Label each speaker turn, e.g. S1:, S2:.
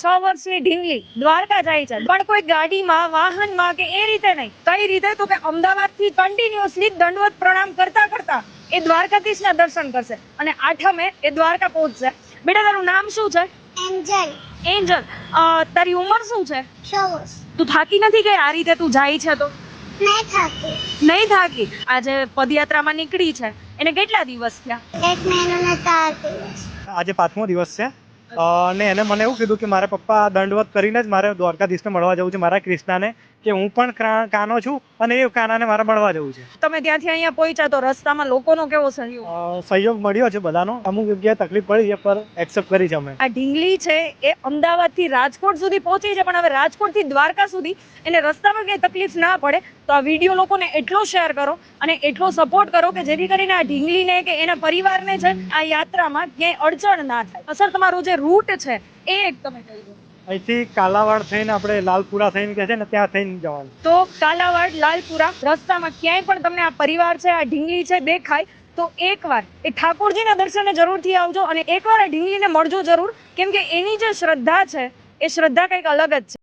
S1: 6 વર્ષની ઢીંગલી દ્વારકા જાય છે, પણ કોઈ ગાડીમાં વાહનમાં કે એ રીતે નહીં. કઈ રીતે તો કે અમદાવાદથી કન્ટિન્યુઅસલી દંડવત પ્રણામ કરતા કરતા એ દ્વારકાધીશના દર્શન કરશે અને 8મે એ દ્વારકા પહોંચશે. બેટા તારું નામ શું છે?
S2: એન્જલ.
S1: એન્જલ. તારી ઉંમર શું છે?
S2: 6 વર્ષ.
S1: તું થાકી નથી ગઈ આ રીતે તું જાય છે તો?
S2: નહીં થાકી.
S1: નહીં થાકી. આજે પદયાત્રામાં નીકળી છે એને કેટલા દિવસ થયા?
S2: 1 મહિનો ને 4 દિવસ.
S3: આજે 5મો દિવસ છે અને એને મને એવું કીધું કે મારા પપ્પા દંડવત કરીને જ મારે દ્વારકાધીશને મળવા જવું છે, મારા કૃષ્ણાને, કે હું પણ કાનો છું અને એ કાનાને મારે મળવા જવું છે.
S1: તમે ત્યાંથી અહીંયા પહોંચ્યા તો રસ્તામાં લોકોનો કેવો સહયોગ?
S3: સહયોગ મળ્યો છે બધાનો. અમુક જગ્યાએ તકલીફ પડી છે પર એક્સેપ્ટ કરી છે અમે.
S1: આ ઢીંગલી છે એ અમદાવાદથી રાજકોટ સુધી પહોંચી છે, પણ હવે રાજકોટથી દ્વારકા સુધી એને રસ્તામાં કંઈ તકલીફ ના પડે તો આ વિડીયો લોકોને એટલો શેર કરો અને એટલો સપોર્ટ કરો કે જેથી કરીને આ ઢીંગલીને કે એના પરિવારને છે આ યાત્રામાં ક્યાંય અડચણ ના થાય. સર તમારો જે રૂટ છે એ એક તમે કહી દો.
S3: અહીંથી કાલાવાડ થઈને આપણે લાલપુરા થઈને કે છે ને ત્યાં થઈને જવાનું.
S1: તો કાલાવાડ લાલપુરા રસ્તામાં ક્યાંય પણ તમને આ પરિવાર છે આ ઢીંગલી છે દેખાય તો એકવાર એ ઠાકોરજીના દર્શને જરૂરથી આવજો અને એકવાર આ ઢીંગલીને મળજો જરૂર, કેમ કે એની જે શ્રદ્ધા છે એ શ્રદ્ધા કંઈક અલગ જ છે.